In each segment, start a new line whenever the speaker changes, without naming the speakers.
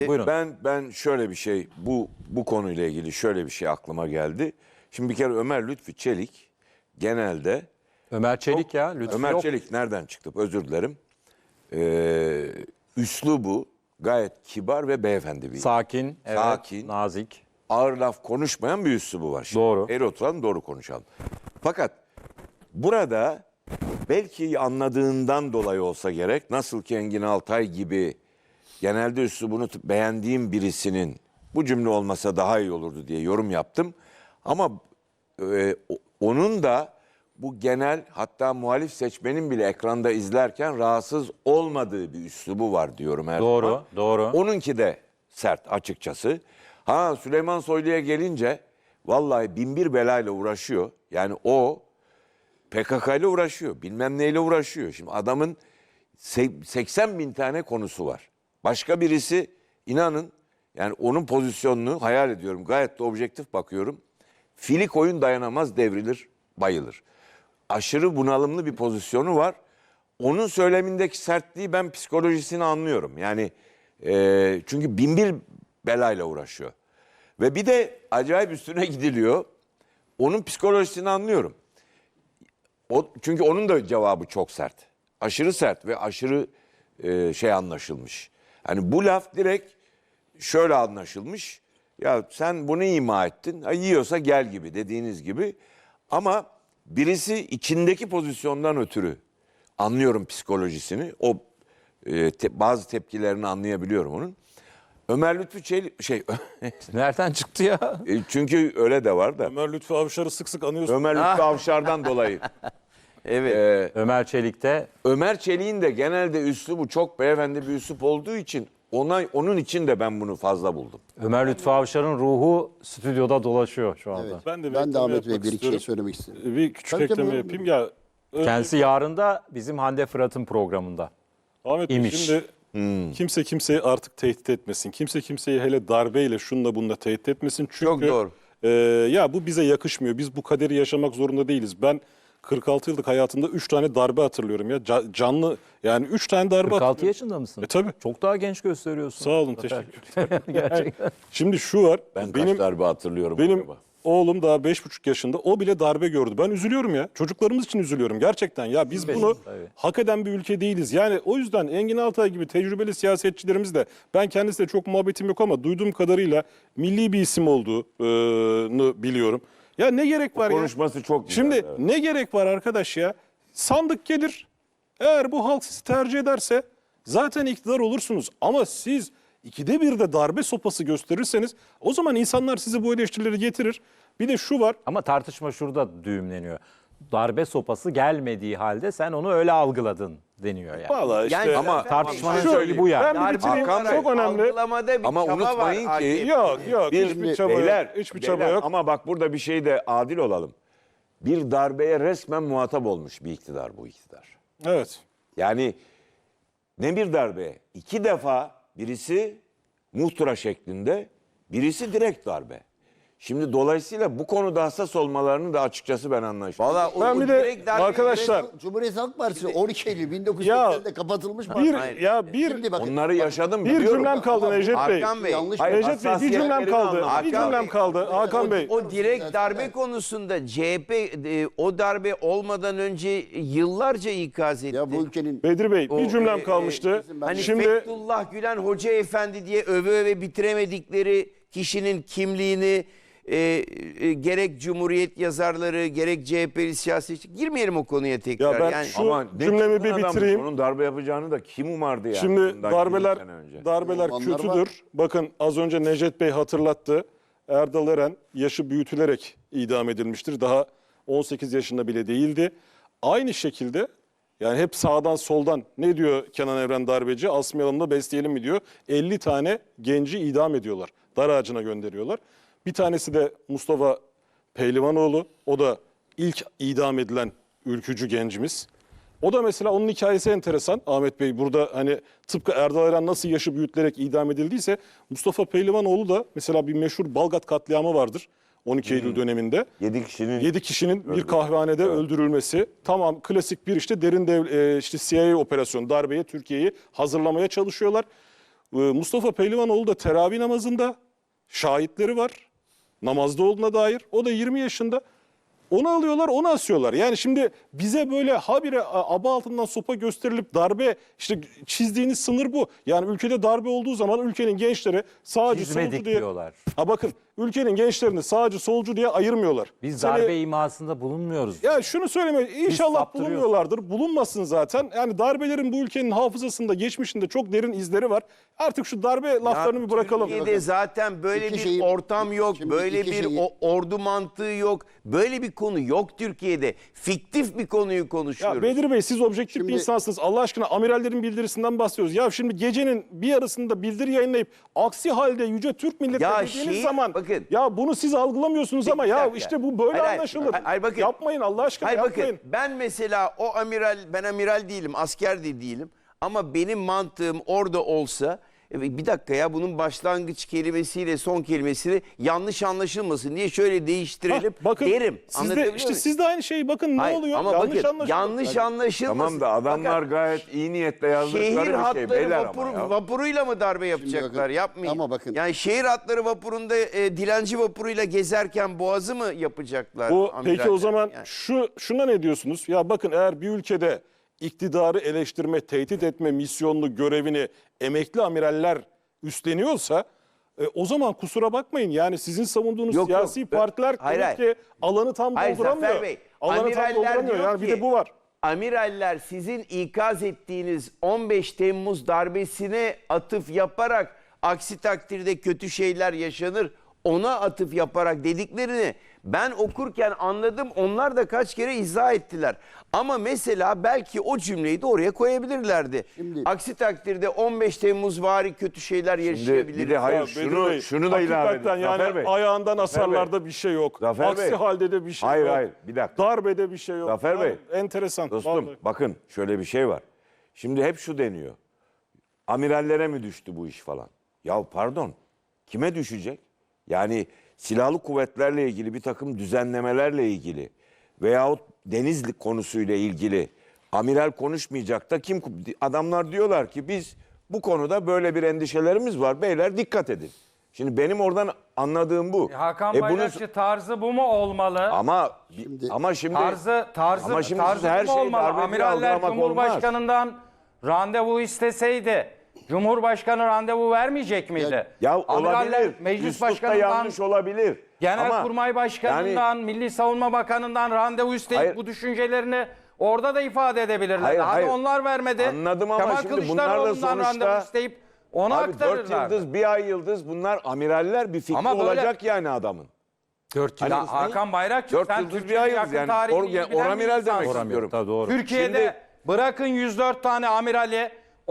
Buyurun.
Ben şöyle bir şey bu konuyla ilgili şöyle bir şey aklıma geldi. Şimdi bir kere Ömer Lütfü Çelik genelde
Ömer Çelik ya. Lütfü
Ömer
yok.
Çelik nereden çıktı? Özür dilerim. Üslubu gayet kibar ve beyefendi bir.
Sakin, evet,
Sakin.
nazik.
Ağır laf konuşmayan bir üslubu var. Şimdi
Doğru.
eğri oturalım, doğru konuşalım. Fakat burada belki anladığından dolayı olsa gerek, nasıl ki Engin Altay gibi genelde üslubunu beğendiğim birisinin bu cümle olmasa daha iyi olurdu diye yorum yaptım. Ama onun da bu genel, hatta muhalif seçmenin bile ekranda izlerken rahatsız olmadığı bir üslubu var diyorum her
Doğru,
zaman.
doğru.
Onunki de sert açıkçası. Ha, Süleyman Soylu'ya gelince vallahi binbir belayla uğraşıyor. Yani o PKK ile uğraşıyor, bilmem neyle uğraşıyor. Şimdi adamın 80 bin tane konusu var. Başka birisi, inanın, yani onun pozisyonunu hayal ediyorum. Gayet de objektif bakıyorum. Fili koyun dayanamaz, devrilir, bayılır. Aşırı bunalımlı bir pozisyonu var. Onun söylemindeki sertliği, ben psikolojisini anlıyorum. Yani çünkü binbir belayla uğraşıyor. Ve bir de acayip üstüne gidiliyor. Onun psikolojisini anlıyorum. Çünkü onun da cevabı çok sert. Aşırı sert ve aşırı anlaşılmış. Hani bu laf direkt şöyle anlaşılmış. Ya sen bunu ima ettin. Ha, yiyorsa gel gibi, dediğiniz gibi. Ama birisi içindeki pozisyondan ötürü anlıyorum psikolojisini. O bazı tepkilerini anlayabiliyorum onun. Ömer Lütfü Çelik
Nereden çıktı ya?
çünkü öyle de var da.
Ömer Lütfü Avşar'ı sık sık anıyorsun.
Ömer Lütfü Avşar'dan dolayı.
Evet. Ömer Çelik'te
Ömer Çelik'in de genelde üslubu çok beyefendi bir üslup olduğu için onun için de ben bunu fazla buldum.
Ömer Lütfü Avşar'ın ruhu stüdyoda dolaşıyor şu anda.
Evet.
Ben de
Ben de Ahmet Bey
yapmak
bir iki şey
istiyorum.
söylemek istedim.
Bir küçük
Tabii,
ekleme
tabii,
yapayım. Ya,
Kendisi yarın da bizim Hande Fırat'ın programında.
Ahmet Bey,
imiş.
şimdi kimse kimseyi artık tehdit etmesin. Kimse kimseyi hele darbeyle şunla bununla tehdit etmesin. Çünkü
Çok doğru.
Ya bu bize yakışmıyor. Biz bu kaderi yaşamak zorunda değiliz. Ben 46 yıllık hayatımda 3 tane darbe hatırlıyorum ya. Canlı, yani 3 tane darbe
46
hatırlıyorum.
yaşında mısın?
Tabii.
Çok daha genç gösteriyorsun.
Sağ olun, teşekkür ederim.
Gerçekten.
Şimdi şu var.
Ben kaç darbe hatırlıyorum
Benim
acaba?
oğlum daha 5,5 yaşında. O bile darbe gördü. Ben üzülüyorum ya. Çocuklarımız için üzülüyorum gerçekten. Ya biz bunu
tabii.
hak eden bir ülke değiliz. Yani o yüzden Engin Altay gibi tecrübeli siyasetçilerimiz de, ben kendisiyle çok muhabbetim yok ama duyduğum kadarıyla milli bir isim olduğunu biliyorum. Ya ne gerek var ya?
Konuşması çok güzel.
Şimdi
evet.
ne gerek var arkadaş ya? Sandık gelir. Eğer bu halk sizi tercih ederse zaten iktidar olursunuz. Ama siz 2'de 1'de darbe sopası gösterirseniz o zaman insanlar size bu eleştirileri getirir. Bir de şu var.
Ama tartışma şurada düğümleniyor. Darbe sopası gelmediği halde sen onu öyle algıladın deniyor yani.
Vallahi işte
Yani
Ama tartışmanın
Şu-
söylediği bu yani.
Ben bir
darbe
bitireyim.
olarak
Çok önemli.
algılamada bir
Ama
çaba
unutmayın
var
ki-
AKP.
Yok hiçbir çaba
Beyler,
yok. Hiçbir çaba
beyler,
yok.
ama bak burada bir şey de adil olalım. Bir darbeye resmen muhatap olmuş bir iktidar bu iktidar.
Evet.
Yani ne bir darbe? 2 defa birisi muhtıra şeklinde, birisi direkt darbe. Şimdi bu konuda hassas olmalarını da açıkçası ben anlaşıldım.
Valla
Ben bir de arkadaşlar
Cumhuriyet Halk Partisi 12 Eylül 1980'de kapatılmış mı? Şimdi bakın,
Onları yaşadım.
bir
biliyorum.
cümlem kaldı Necdet Bey.
Hakan Bey,
yanlış
Hayır,
Necdet Bey bir
hassasiyetlerini
cümlem kaldı.
anlamadım.
Bir
Hakan
cümlem
Bey.
kaldı. Hakan Bey.
o direkt darbe konusunda CHP o darbe olmadan önce yıllarca ikaz etti.
ya bu ülkenin
Bedir Bey bir
O,
cümlem kalmıştı.
Hani
Şimdi
Fethullah Gülen Hoca Efendi diye öve bitiremedikleri kişinin kimliğini gerek Cumhuriyet yazarları gerek CHP'li siyasetçi, girmeyelim o konuya tekrar.
Ya ben
yani,
şu-
Ama ne
cümlemi
çılgın
bir
adammış,
bitireyim.
Onun darbe yapacağını da kim umardı yani?
Şimdi
bundan 20 sene önce.
darbeler
Romanlar
kötüdür.
var.
Bakın az önce Necdet Bey hatırlattı. Erdal Eren yaşı büyütülerek idam edilmiştir. Daha 18 yaşında bile değildi. Aynı şekilde yani hep sağdan soldan ne diyor Kenan Evren darbeci? Asmayalım da besleyelim mi diyor. 50 tane genci idam ediyorlar. Dar ağacına gönderiyorlar. Bir tanesi de Mustafa Pehlivanoğlu. O da ilk idam edilen ülkücü gencimiz. O da mesela, onun hikayesi enteresan Ahmet Bey. Burada hani tıpkı Erdal Eren nasıl yaşı büyütülerek idam edildiyse Mustafa Pehlivanoğlu da mesela bir meşhur Balgat katliamı vardır 12 Eylül döneminde.
7
kişinin bir kahvehanede öldürülmesi. Tamam, klasik bir işte derin işte CIA operasyonu, darbeye Türkiye'yi hazırlamaya çalışıyorlar. Mustafa Pehlivanoğlu da teravih namazında şahitleri var. Namazda olduğuna dair. O da 20 yaşında. Onu alıyorlar, onu asıyorlar. Yani şimdi bize böyle habire aba altından sopa gösterilip darbe, işte çizdiğiniz sınır bu. Yani ülkede darbe olduğu zaman ülkenin gençleri sağcı
Çizmedik
solcu diye...
diyorlar.
Ha bakın, ülkenin gençlerini sağcı solcu diye ayırmıyorlar.
Biz
Seni-
darbe imasında bulunmuyoruz.
Ya şunu söyleme, inşallah
saptırıyoruz.
bulunmuyorlardır. Bulunmasın zaten. Yani darbelerin bu ülkenin hafızasında, geçmişinde çok derin izleri var. Artık şu darbe laflarını bir bırakalım.
Türkiye'de zaten böyle
İki
bir
şeyi-
ortam yok.
Şimdi
Böyle
iki
bir
şeyi-
ordu mantığı yok. Böyle bir konu yok Türkiye'de. Fiktif bir konuyu konuşuyoruz.
Ya Bedir Bey, siz objektif
Şimdi-
bir insansınız. Allah aşkına amirallerin bildirisinden bahsediyoruz. Ya şimdi gecenin bir yarısında bildiri yayınlayıp aksi halde Yüce Türk milleti
Ya
dediğiniz
şeyi-
zaman
bakın.
ya bunu siz algılamıyorsunuz ama
Bir
ya
dakika.
işte bu böyle
Hayır,
anlaşılır.
hayır, bakın.
Yapmayın Allah aşkına,
Hayır
yapmayın.
bakın, ben mesela o amiral, ben amiral değilim, asker de değilim. Ama benim mantığım orada olsa, bir dakika ya, bunun başlangıç kelimesiyle son kelimesini yanlış anlaşılmasın diye şöyle değiştirelim
Bakın
derim.
siz de,
Anlatabiliyor
işte
muyum?
siz de aynı şeyi bakın ne
Hayır,
oluyor?
ama
Yanlış
bakın,
anlaşılıyor.
yanlış anlaşılmasın.
Tamam da adamlar
Fakat
gayet iyi niyetle yazdıkları
şehir
bir şey
hatları
beyler ama ya.
vapuruyla mı darbe yapacaklar?
bakın,
Yapmayın.
ama bakın.
Yani şehir hatları vapurunda dilenci vapuruyla gezerken boğazı mı yapacaklar?
Bu peki
amiraller?
o zaman
Yani.
şuna ne diyorsunuz? Ya bakın, eğer bir ülkede iktidarı eleştirme, tehdit etme misyonlu görevini emekli amiraller üstleniyorsa o zaman kusura bakmayın. Yani sizin savunduğunuz
Yok,
siyasi
yok.
partiler
Hayır,
demek
hayır.
ki alanı tam
Hayır,
dolduramıyor.
Zafer Bey,
Alanı tam
amiraller
dolduramıyor.
diyor
Yani bir
ki-
de bu var.
Amiraller sizin ikaz ettiğiniz 15 Temmuz darbesine atıf yaparak, aksi takdirde kötü şeyler yaşanır, ona atıf yaparak dediklerini ben okurken anladım. Onlar da kaç kere izah ettiler. Ama mesela belki o cümleyi de oraya koyabilirlerdi.
Şimdi-
Aksi takdirde 15 Temmuz vari kötü şeyler
Şimdi
yaşayabiliriz.
bir de hayır
Ya Bedir Bey,
şunu da ilave
hakikaten
edin. Zafer
yani
Bey.
ayağından
Zafer
asarlarda bir şey yok.
Zafer
Aksi
Bey.
halde de bir şey
Hayır,
yok.
hayır, bir dakika.
Darbede bir şey yok.
Zafer
Yani
Bey.
enteresan.
Dostum
vallahi.
bakın şöyle bir şey var. Şimdi hep şu deniyor. Amirallere mi düştü bu iş falan? Ya pardon, kime düşecek? Yani silahlı kuvvetlerle ilgili bir takım düzenlemelerle ilgili veyahut denizlik konusuyla ilgili amiral konuşmayacak da kim? Adamlar diyorlar ki biz bu konuda böyle bir endişelerimiz var. Beyler dikkat edin. Şimdi benim oradan anladığım bu.
Hakan
bunu-
Bayrakçı tarzı bu mu olmalı?
ama şimdi
Tarzı
Ama şimdi
tarzı
siz her
bu mu
şeyi
olmalı?
darbe diye
Amiraller
algılamak
Cumhurbaşkanından randevu isteseydi Cumhurbaşkanı randevu vermeyecek miydi?
Ya
Amiraller
olabilir.
Meclis
Üslupta
Başkanı'ndan,
yanlış olabilir. Ama
Genelkurmay Başkanı'ndan, Milli Savunma Bakanı'ndan randevu isteyip
Hayır.
bu düşüncelerini orada da ifade edebilirler.
Hayır,
Hadi
hayır.
onlar vermedi.
Anladım ama
Kemal
şimdi bunlar da
Kılıçdaroğlu'ndan
sonuçta-
randevu isteyip onu
Abi 4
aktarırlar.
yıldız, bir ay yıldız bunlar amiraller, bir fikri
Ama böyle-
olacak yani adamın.
4
Ya
yıldız ne?
Hakan Bayrakçı
4
sen
yıldız bir
Türkiye'nin
ay yıldız
yakın
yani.
tarihini iyi bilen bir
Oramiral demek
insansın.
istiyorum.
Tabii doğru.
Türkiye'de
Şimdi-
bırakın 104 tane amirali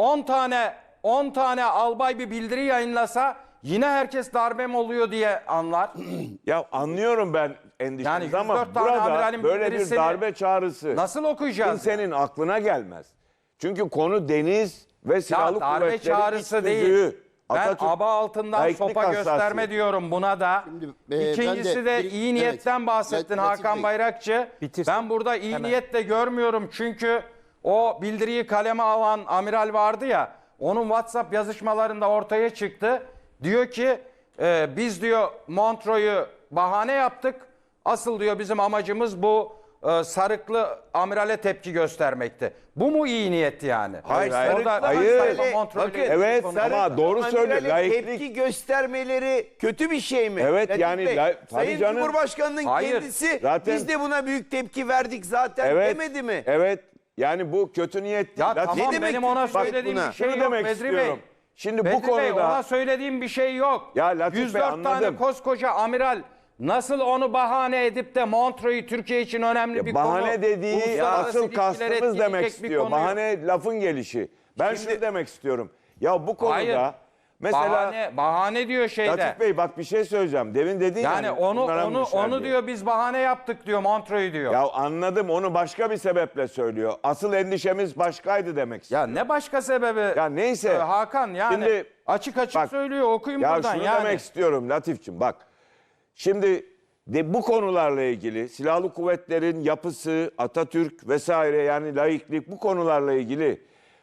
10 tane albay bir bildiri yayınlasa yine herkes darbe mi oluyor diye anlar.
Ya anlıyorum ben endişenizi
Yani
ama
104 tane
burada
amiralin
böyle bir
bildirisini
darbe çağrısı
Nasıl okuyacağız?
kimsenin aklına gelmez. Çünkü konu deniz ve silahlı
Ya darbe
kuvvetlerin
çağrısı
iç
değil.
tüzüğü.
Ben
Atatürk
aba altından
laiklik
sopa
hassasiyeti.
gösterme diyorum buna da.
ben
İkincisi
de
de
bir-
iyi niyetten
evet,
bahsettin
Latif
Hakan
Bey.
Bayrakçı.
Bitirsin.
Ben burada iyi
Hemen.
niyet de görmüyorum çünkü o bildiriyi kaleme alan amiral vardı ya, onun WhatsApp yazışmalarında ortaya çıktı. Diyor ki biz diyor Montreux'u bahane yaptık. Asıl diyor bizim amacımız bu sarıklı amirale tepki göstermekti. Bu mu iyi niyet yani?
Hayır,
Orada
hayır.
Sayfa Montreux'u
Bakın,
Evet
konuşuyor.
ama doğru söylüyor.
Amirale
Laiklik.
tepki göstermeleri kötü bir şey mi?
Evet,
Latif
yani
Bey,
tabii
Sayın
canım.
Cumhurbaşkanı'nın
Hayır,
kendisi
zaten-
biz de buna büyük tepki verdik zaten
Evet.
demedi mi?
Evet. Yani bu kötü niyet değil.
Ya
Latif-
tamam
demek
benim ona
ki? Bak
söylediğim
buna.
bir şey
Şunu
yok
demek
Bedri Bey.
istiyorum. Şimdi bu
Bedri Bey,
konuda
ona söylediğim bir şey yok.
Ya Latif Bey,
104 tane
anladım.
koskoca amiral nasıl onu bahane edip de Montreux'u Türkiye için önemli bir konu.
bahane dediği
uluslararası
asıl
ilişkileri
kastımız
etkileyecek
demek
bir
istiyor.
konuyu-
Bahane lafın gelişi. Ben şunu demek istiyorum. Ya bu konuda
Hayır.
mesela
bahane diyor şeyde.
Latif Bey bak bir şey söyleyeceğim. Demin dedin
Yani onu diyor biz bahane yaptık diyor Montreux'u diyor.
Ya anladım, onu başka bir sebeple söylüyor. Asıl endişemiz başkaydı demek istiyor.
Ya ne başka sebebi?
Ya neyse.
Hakan yani
Şimdi-
açık
Bak,
söylüyor, okuyun
Ya
buradan
şunu
yani.
demek istiyorum Latifçim, bak. Şimdi bu konularla ilgili silahlı kuvvetlerin yapısı, Atatürk vesaire, yani laiklik, bu konularla ilgili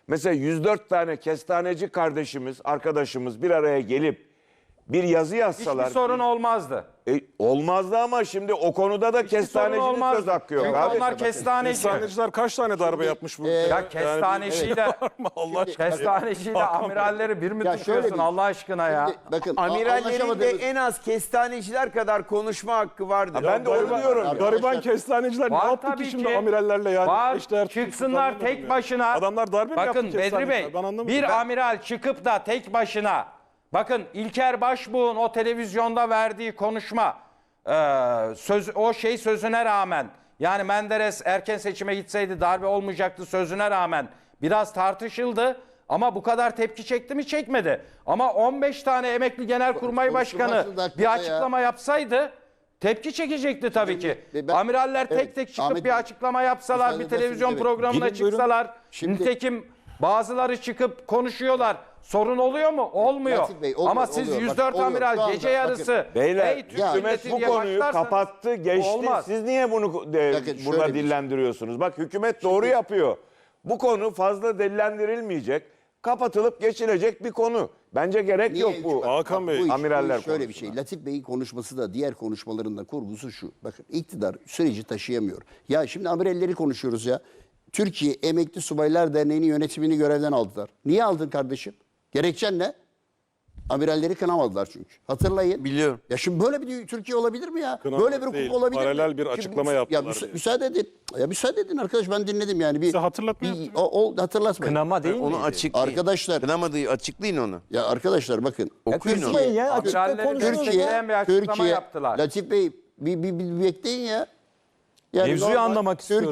Mesela 104 tane kestaneci kardeşimiz, arkadaşımız bir araya gelip bir yazı yazsalar.
Hiçbir sorun olmazdı.
Olmazdı ama şimdi o konuda da
Sorun
kestanecinin
olmazdı.
söz hakkı yok
Çünkü
abi.
onlar kestaneci.
Kestaneciler kaç tane darbe yapmış bu ülkeye?
Ya kestaneciyle,
Allah aşkına.
kestaneciyle amiralleri bir mi
Ya şöyle
tutuyorsun
bir-
Allah aşkına ya?
Şimdi bakın
Amirallerin de
anlaşamadığımız-
en az kestaneciler kadar konuşma hakkı vardır.
Ben de onu diyorum.
Abi,
Gariban kestaneciler ne
Var
yaptı
tabii
ki şimdi
ki.
amirallerle yani?
Var,
İşler,
çıksınlar
anlamadım
tek
ya.
başına.
Adamlar darbe mi
Bakın
yaptı
Bedri
kestaneciler?
Bey,
Ben anlamadım.
bir amiral çıkıp da tek başına, bakın İlker Başbuğ'un o televizyonda verdiği konuşma, sözüne rağmen, yani Menderes erken seçime gitseydi darbe olmayacaktı sözüne rağmen biraz tartışıldı. Ama bu kadar tepki çekti mi? Çekmedi. Ama 15 tane emekli genelkurmay başkanı
Konuşulmaz dakikada
bir
ya.
açıklama yapsaydı tepki çekecekti tabii ki.
Ben-
Amiraller tek
Evet,
tek çıkıp
Ahmet
bir
Bey,
açıklama yapsalar,
müsaade
bir televizyon
ederseniz, evet.
programına
Gidin, buyurun.
çıksalar,
Şimdi-
nitekim bazıları çıkıp konuşuyorlar. Sorun oluyor mu? Olmuyor.
Latif Bey, oluyor,
Ama siz
oluyor.
104
Bakın, oluyor. Şu
amiral
anda
gece
bakın.
yarısı
Beyler,
"Ey Türk
hükümet
milleti"
bu
diye
konuyu
başlarsanız
kapattı, geçti.
olmaz.
Siz niye bunu
Bakın
burada
şöyle bir şey.
dillendiriyorsunuz? Bak hükümet doğru yapıyor. Bu konu fazla dillendirilmeyecek, kapatılıp geçilecek bir konu. Bence gerek
Niye
yok bu.
hükümet-
Hakan Bey,
Bu iş-
amiraller
bu iş şöyle bir
konusuna.
şey. Latif Bey'in konuşması da diğer konuşmalarında kurgusu şu. Bakın iktidar süreci taşıyamıyor. Ya şimdi amiralleri konuşuyoruz ya. Türkiye Emekli Subaylar Derneği'nin yönetimini görevden aldılar. Niye aldın kardeşim? Gerekçen ne? Amiralleri kınamadılar çünkü. Hatırlayın.
Biliyorum.
Ya şimdi böyle bir Türkiye olabilir mi ya?
Kınamak
Böyle bir hukuk
değil,
olabilir mi?
paralel bir
Şimdi
açıklama
ya
yaptılar diye.
müsaade edin. Ya müsaade edin arkadaş, ben dinledim yani.
Size hatırlatma yaptım.
Hatırlatmayın.
Kınama değil
Onu
miydi?
açıklayın.
Arkadaşlar-
Kınamadığı açıklayın onu.
Ya arkadaşlar bakın.
Okuyun onu.
Kızmayın ya, açıkta
Amiralleri
konuşuyoruz.
destekleyen bir açıklama yaptılar.
Latif Bey bir bekleyin ya. Yani
Mevzuyu
normal
anlamak istiyoruz.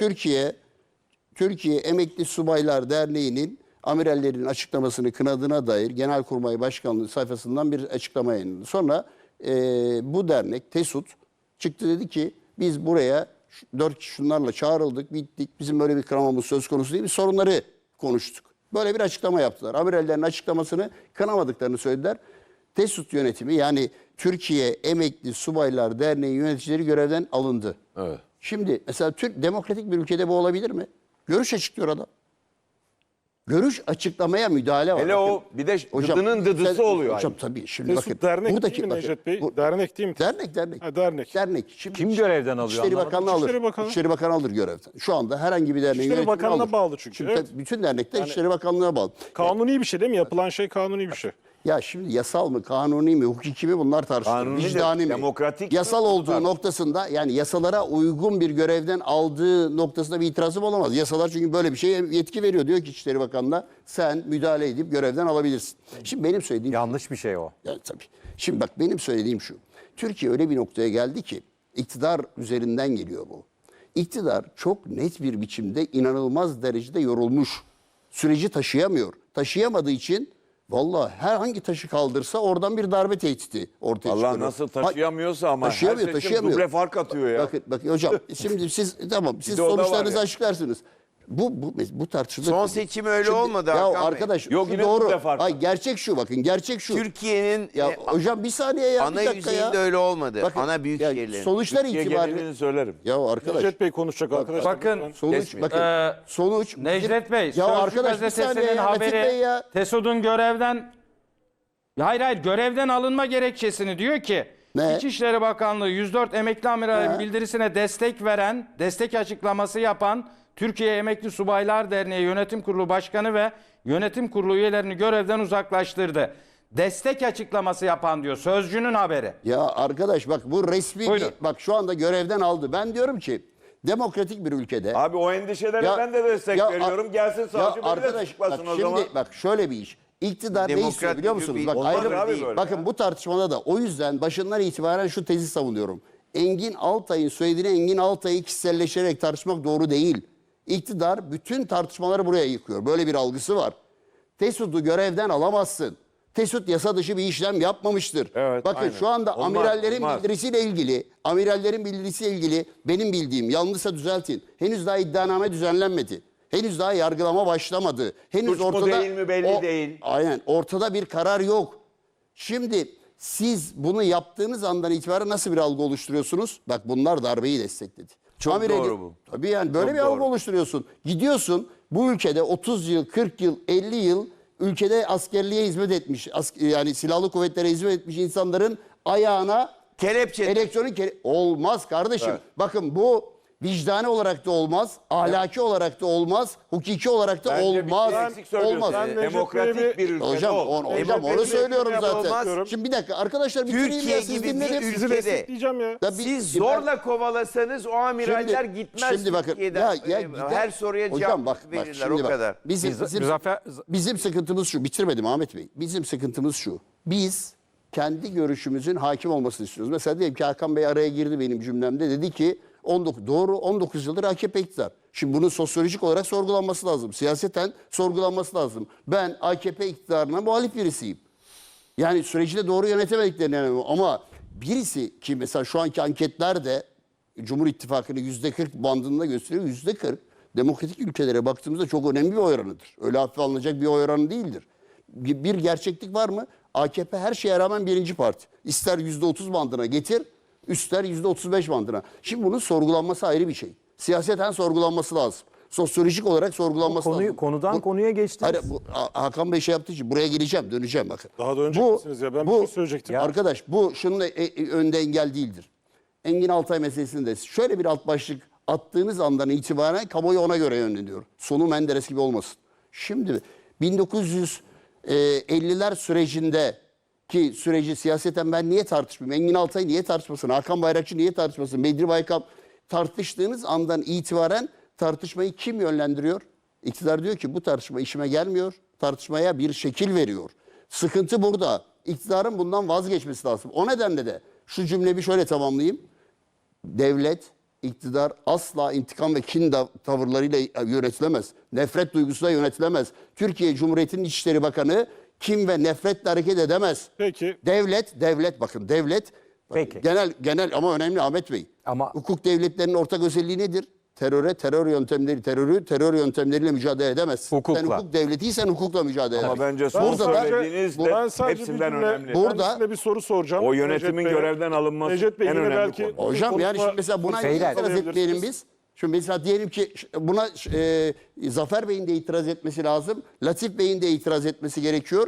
Türkiye Emekli Subaylar Derneği'nin amirallerin açıklamasını kınadığına dair Genelkurmay Başkanlığı sayfasından bir açıklama yayınladı. Sonra bu dernek TESUT çıktı, dedi ki biz buraya 4 kişi şunlarla çağrıldık, bittik. Bizim böyle bir kınamamız söz konusu değil. Biz sorunları konuştuk. Böyle bir açıklama yaptılar. Amirallerin açıklamasını kınamadıklarını söylediler. TESUT yönetimi, yani Türkiye Emekli Subaylar Derneği yöneticileri görevden alındı.
Evet.
Şimdi mesela demokratik bir ülkede bu olabilir mi? Görüş açıklıyor adam. Görüş açıklamaya müdahale var.
Hele
Bakın,
o bir de
hocam,
gıdının dıdısı oluyor.
Hocam tabii şimdi
Mesut
bakın.
dernek
buradaki,
değil mi
bakın,
Necdet Bey?
bu-
Dernek değil mi?
Dernek.
Ha, dernek.
Şimdi
Kim görevden alıyor
İçişleri
anlamadım.
Bakanlığı alır.
İçişleri Bakanı.
İçişleri Bakanı alır görevden. Şu anda herhangi bir derneğin
İçişleri
yönetimini
Bakanlığı'na
alır.
bağlı çünkü,
Şimdi
evet.
tabii bütün dernekler İçişleri Bakanlığı'na bağlı.
Kanuni bir şey değil mi? Yapılan şey kanuni bir şey.
Ya şimdi yasal mı, kanuni mi, hukuki mi, bunlar tartışılır.
Kanunidir,
Vicdani mi?
demokratik
Yasal
mi?
olduğu
Bunlar.
noktasında, yani yasalara uygun bir görevden aldığı noktasında bir itirazım olamaz. Yasalar çünkü böyle bir şeye yetki veriyor. Diyor ki İçişleri Bakanı'na sen müdahale edip görevden alabilirsin. Şimdi benim söylediğim
Yanlış bir şey o.
yani tabii. Şimdi bak benim söylediğim şu. Türkiye öyle bir noktaya geldi ki iktidar üzerinden geliyor bu. İktidar çok net bir biçimde inanılmaz derecede yorulmuş. Süreci taşıyamıyor. Taşıyamadığı için vallahi herhangi taşı kaldırsa oradan bir darbe tehdidi ortaya çıkıyor.
Allah nasıl taşıyamıyorsa ama
Taşıyamıyor,
her seçim
taşıyamıyor.
duble fark atıyor ya.
Bakın hocam şimdi siz tamam siz
de o da var
sonuçlarınızı
ya.
açıklarsınız. Bu tartışılır.
Son
tabii.
seçim öyle
Şimdi-
olmadı
Ya
Hakan Bey.
arkadaş
Yok,
şu
yine
doğru.
duble fark.
Ay gerçek şu, bakın gerçek şu.
Türkiye'nin
Ya hocam bir saniye ya,
ana
bir dakika ya.
yüzeyinde öyle olmadı.
Bakın,
Ana büyük
ya
şehirlerin.
sonuçlar
Türkiye
itibariyle
genelini söylerim.
ya arkadaş
Necdet Bey konuşacak arkadaşlar.
Bakın,
sonuç
Kesmeyin.
bakın sonuç
Necdet Bey,
ya
Sözcü
arkadaş bir saniye
gazetesinin
ya, Latif Bey
haberi
ya.
TESUD'un görevden hayır görevden alınma gerekçesini diyor ki
Ne?
İçişleri Bakanlığı 104 emekli amiralin bildirisine destek açıklaması yapan Türkiye Emekli Subaylar Derneği Yönetim Kurulu Başkanı ve Yönetim Kurulu üyelerini görevden uzaklaştırdı. Destek açıklaması yapan diyor. Sözcünün haberi.
Ya arkadaş bak bu resmi
Buyurun.
bak şu anda görevden aldı. Ben diyorum ki demokratik bir ülkede
Abi o endişelere
Ya-
ben de destek
ya-
veriyorum. Gelsin savcı beni de
arkadaş
tutuklasın
bak
o
şimdi
zaman.
bak şöyle bir iş. İktidar ne
Demokrat
istiyor biliyor
bir
musunuz?
bir-
Bak
Olmaz
ayrı
abi
değil.
böyle
Bakın
ya.
bu tartışmada da o yüzden başından itibaren şu tezi savunuyorum. Engin Altay'ın söylediğini Engin Altay'ı kişiselleştirerek tartışmak doğru değil. İktidar bütün tartışmaları buraya yıkıyor. Böyle bir algısı var. TESUD'u görevden alamazsın. TESUD yasa dışı bir işlem yapmamıştır.
Evet,
Bakın
aynen.
şu anda
Olmaz,
amirallerin
olmaz.
bildirisiyle ilgili benim bildiğim, yanlışsa düzeltin. Henüz daha iddianame düzenlenmedi. Henüz daha yargılama başlamadı. Henüz
Suç mu
ortada
değil mi belli değil.
Aynen, ortada bir karar yok. Şimdi siz bunu yaptığınız andan itibaren nasıl bir algı oluşturuyorsunuz? Bak bunlar darbeyi destekledi.
Çok doğru bu.
Tabii yani böyle
Çok
bir algı
doğru.
oluşturuyorsun. Gidiyorsun bu ülkede 30 yıl, 40 yıl, 50 yıl ülkede askerliğe hizmet etmiş, yani silahlı kuvvetlere hizmet etmiş insanların ayağına
Kelepçe.
olmaz kardeşim.
Evet.
Bakın bu vicdani olarak da olmaz, ahlaki olarak da olmaz, hukuki olarak da
Bence
olmaz.
bir şey eksik söylüyorsun.
Olmaz.
Ben Necdet
Demokratik
Bey'i
bir ülkede
Hocam, hocam onu
Demokratik
söylüyorum
bir
zaten.
olmaz.
Şimdi bir dakika arkadaşlar bitireyim
Türkiye
ya siz
gibi bir
dinleyin.
ülke-
Sizi
ülkede-
destekleyeceğim ya.
Ya bir-
Siz
ben-
zorla kovalasanız o amiraller
Şimdi-
gitmez
şimdi bakın,
Türkiye'den.
ya
Her
gider.
soruya
Hocam
cevap
bak,
verirler
şimdi
o
bak.
kadar.
Bizim sıkıntımız şu. Bitirmedim Ahmet Bey. Bizim sıkıntımız şu. Biz kendi görüşümüzün hakim olmasını istiyoruz. Mesela diyelim ki Hakan Bey araya girdi benim cümlemde. Dedi ki 19 yıldır AKP iktidar. Şimdi bunun sosyolojik olarak sorgulanması lazım. Siyaseten sorgulanması lazım. Ben AKP iktidarına muhalif birisiyim. Yani süreci de doğru yönetemediklerini inanıyorum. Ama birisi ki mesela şu anki anketlerde Cumhur İttifakı'nı %40 bandında gösteriyor. %40 demokratik ülkelere baktığımızda çok önemli bir oy oranıdır. Öyle hafife alınacak bir oy oranı değildir. Bir gerçeklik var mı? AKP her şeye rağmen birinci parti. İster %30 bandına getir, ister %35 bandına. Şimdi bunun sorgulanması ayrı bir şey. Siyaseten sorgulanması lazım. Sosyolojik olarak sorgulanması lazım.
Konudan konuya geçtiniz.
Hayır, Hakan Bey şey yaptığı için buraya geleceğim, döneceğim bakın.
Daha da önce misiniz ya? Ben bir şey söyleyecektim.
Arkadaş bu şunun önde engel değildir. Engin Altay meselesinde şöyle bir alt başlık attığınız andan itibaren kamuoyu ona göre yönleniyor. Sonu Menderes gibi olmasın. Şimdi 1950'ler sürecinde ki süreci siyaseten ben niye tartışmayayım? Engin Altay niye tartışmasın? Hakan Bayrakçı niye tartışmasın? Bedri Baykal tartıştığınız andan itibaren tartışmayı kim yönlendiriyor? İktidar diyor ki bu tartışma işime gelmiyor. Tartışmaya bir şekil veriyor. Sıkıntı burada. İktidarın bundan vazgeçmesi lazım. O nedenle de şu cümleyi şöyle tamamlayayım. Devlet, iktidar asla intikam ve kin tavırlarıyla yönetilemez. Nefret duygusuyla yönetilemez. Türkiye Cumhuriyeti'nin İçişleri Bakanı kin ve nefretle hareket edemez.
Peki.
Devlet bakın devlet
Peki.
genel ama önemli Ahmet Bey.
Ama-
hukuk devletlerinin ortak özelliği nedir? Terör yöntemleriyle mücadele edemezsin.
Hukukla.
Sen hukuk devletiysen hukukla mücadele
Ama
edersin.
bence son
Burada da-
söylediğiniz
Ben
de
sadece
hepsinden
bir cümle-
önemli.
Burada-
Kendisine bir soru soracağım.
O
Necdet
yönetimin
Bey'e.
görevden alınması
Necdet Bey
en
yine
önemli
belki
konu.
Hocam yani şimdi mesela buna
Beyler.
itiraz etmeyelim biz. Şimdi mesela diyelim ki buna Zafer Bey'in de itiraz etmesi lazım. Latif Bey'in de itiraz etmesi gerekiyor.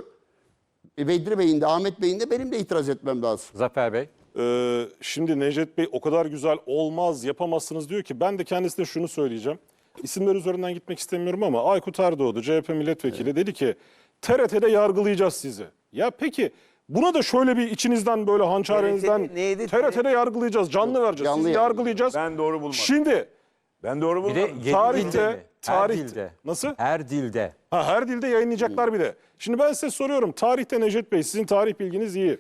Bedri Bey'in de Ahmet Bey'in de benim de itiraz etmem lazım.
Zafer Bey.
Şimdi Necdet Bey o kadar güzel olmaz yapamazsınız diyor ki ben de kendisine şunu söyleyeceğim. İsimler üzerinden gitmek istemiyorum ama Aykut Erdoğdu CHP milletvekili dedi ki TRT'de yargılayacağız sizi. Ya peki buna da şöyle bir içinizden böyle hançerinizden
neydi?
TRT'de yargılayacağız canlı vereceğiz
canlı
sizi yargılayacağız.
Ben doğru bulmadım.
Şimdi
Ben doğru
Bir de
bulmadım.
yedi
Tarihte-
dilde mi? Her
tarihte-
dilde.
Nasıl?
Her dilde.
her dilde yayınlayacaklar bir de. Şimdi ben size soruyorum tarihte Necdet Bey sizin tarih bilginiz iyi.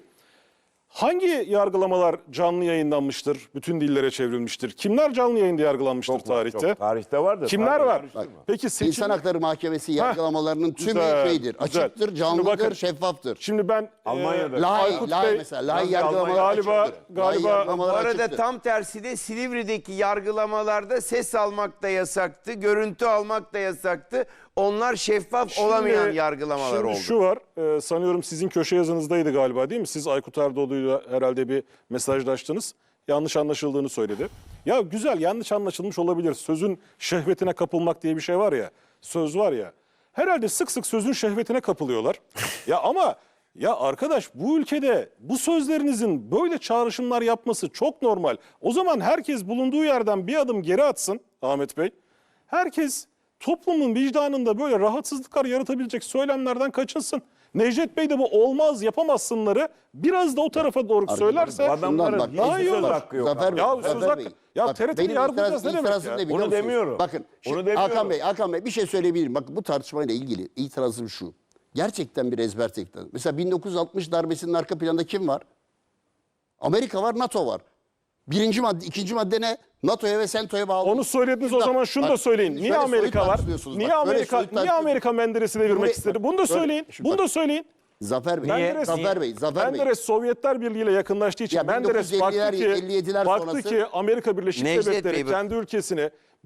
Hangi yargılamalar canlı yayınlanmıştır, bütün dillere çevrilmiştir? Kimler canlı yayında yargılanmıştır
Çok var,
tarihte?
çok. Tarihte vardır.
Kimler
Tarihi
var?
karıştırma.
Peki seçim...
İnsan Hakları Mahkemesi yargılamalarının tümü
güzel,
şeydir.
güzel.
Açıktır,
Şimdi
canlıdır,
bakın,
şeffaftır.
Şimdi ben
Almanya'da.
Aykut
Lahi
Bey-
mesela. Lahi
Almanya-
yargılamalar
Galiba-
açıktır.
galiba-
Lahi
Bu
yargılamalar
arada
açıktır.
tam tersi de Silivri'deki yargılamalarda ses almak da yasaktı, görüntü almak da yasaktı. Onlar şeffaf olamayan yargılamalar
şimdi
oldu.
şu var, sanıyorum sizin köşe yazınızdaydı galiba değil mi? Siz Aykut Erdoğdu'yla herhalde bir mesajlaştınız. Yanlış anlaşıldığını söyledi. Ya güzel yanlış anlaşılmış olabilir. Sözün şehvetine kapılmak diye bir şey var ya, söz var ya. Herhalde sık sık sözün şehvetine kapılıyorlar. Ya ama ya arkadaş bu ülkede bu sözlerinizin böyle çağrışımlar yapması çok normal. O zaman herkes bulunduğu yerden bir adım geri atsın Ahmet Bey. Herkes toplumun vicdanında böyle rahatsızlıklar yaratabilecek söylemlerden kaçınsın. Necdet Bey de bu olmaz yapamazsınları biraz da o tarafa doğru söylerse
Adamların
bak,
hiç
daha iyi
söz
olur.
hakkı yok.
Zafer Bey,
Ya
Zafer
söz hakkı-
Bey.
ya
Bak,
TRT'yi
benim
yargılayacağız ne demek
itirazım
ya?
ne biliyor
Onu
musunuz?
demiyorum.
Bakın
Onu
şimdi
demiyorum.
Hakan Bey bir şey söyleyebilirim. Bakın bu tartışmayla ilgili itirazım şu. Gerçekten bir ezber tekrar. Mesela 1960 darbesinin arka planında kim var? Amerika var, NATO var. Birinci madde, ikinci madde ne? NATO'ya ve SENTO'ya bağlı.
Onu söylediniz o
Bak,
zaman şunu
bak,
da söyleyin.
şimdi
Niye
şöyle soyut
Amerika var?
tartışıyorsunuz.
Niye
Bak, böyle
Amerika
soyut
niye
tartışıyorsunuz.
Amerika Menderes'i devirmek
Buraya-
istedi? Bunu da
Böyle-
söyleyin.
Şimdi
Bunu
bak-
da söyleyin.
Zafer Bey,
Menderes-
Zafer Bey, Zafer Bey.
Menderes Sovyetler Birliği ile yakınlaştığı için
Ya
Menderes
1950'ler,
baktı
57'ler
ki
sonrası-
Amerika Birleşik
Necdet
Devletleri
Bey, bak-
kendi ülkesini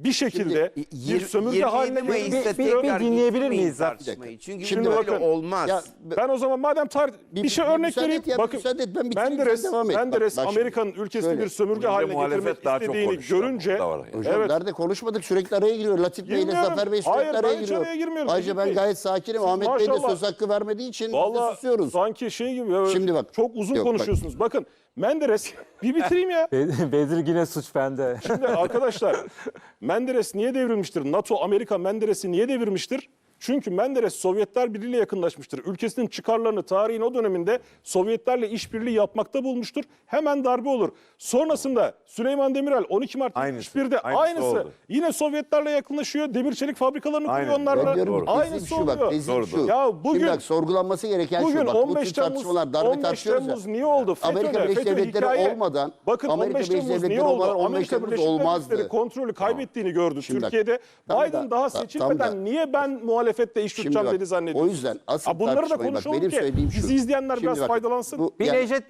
bir şekilde bir sömürge
27
haline
Mayıs'ta
getirmek
bir
tekrar
dinleyebilir
getirmeyin
miyiz?
tartışmayı. Çünkü
Şimdi
böyle
bakın,
olmaz.
Ya,
Ben o zaman madem bir şey örnek
müsaade
vereyim.
et ya,
Bakın
müsaade et, ben bitireyim,
Menderes,
sen devam et.
Menderes
Bak şimdi,
Amerika'nın ülkesini
şöyle.
bir sömürge
Bence
haline
muhalefet
getirmek
daha çok
istediğini
konuştu ama
görünce
o da var yani.
Hocam
evet,
nerede konuşmadık, sürekli araya giriyor. Latif Bey ile
Girmiyorum.
Zafer Bey sürekli
Hayır,
araya
ben hiç
giriyor.
araya girmiyorum.
Ayrıca ben
Necip Bey,
gayet sakinim.
siz
Ahmet Bey de
maşallah.
söz hakkı vermediği için biz de
vallahi
susuyoruz.
sanki şey gibi böyle
Şimdi bak.
çok uzun
Yok, bak.
konuşuyorsunuz. Bakın Menderes bir bitireyim ya.
Bedir yine suç bende.
Şimdi arkadaşlar Menderes niye devrilmiştir? NATO, Amerika Menderes'i niye devirmiştir? Çünkü Menderes Sovyetler Birliği ile yakınlaşmıştır. Ülkesinin çıkarlarını tarihin o döneminde Sovyetlerle işbirliği yapmakta bulmuştur. Hemen darbe olur. Sonrasında Süleyman Demirel 12 Mart
Aynısı.
71'de
Aynısı
aynısı.
oldu.
Yine Sovyetlerle yakınlaşıyor. Demir çelik fabrikalarını kuruyor
Aynen.
onlarla.
Ben diyorum ki
Aynısı
tezim şu bak,
oluyor.
tezim
Doğru,
şu.
doğru.
Ya bugün-
Şimdi bak sorgulanması gereken
Bugün
şu. Bak, bu
15
tür
Temmuz,
tartışmalar, darbe
15
tartışıyoruz ya.
Temmuz niye oldu?
Amerika
FETÖ,
Birleşik
FETÖ
Devletleri
hikaye.
olmadan,
Bakın
Amerika
15
Birleşik
Temmuz niye
Devletleri
oldu?
olmadan 15
Amerika
Temmuz
Birleşik
olmazdı.
Devletleri kontrolü kaybettiğini gördü
Şimdi bak,
Türkiye'de.
tam da-
Biden daha
tam
seçilmeden
da-
niye ben muhalefette iş
Şimdi
tutacağım
bak,
dedi zannediyorsun?
o yüzden asıl
Bunları da
tartışmayı bak,
konuşalım
benim
ki
söylediğim şu.
bizi izleyenler
Şimdi
biraz
bak,
faydalansın.
bu-
Bir
yani-
Necdet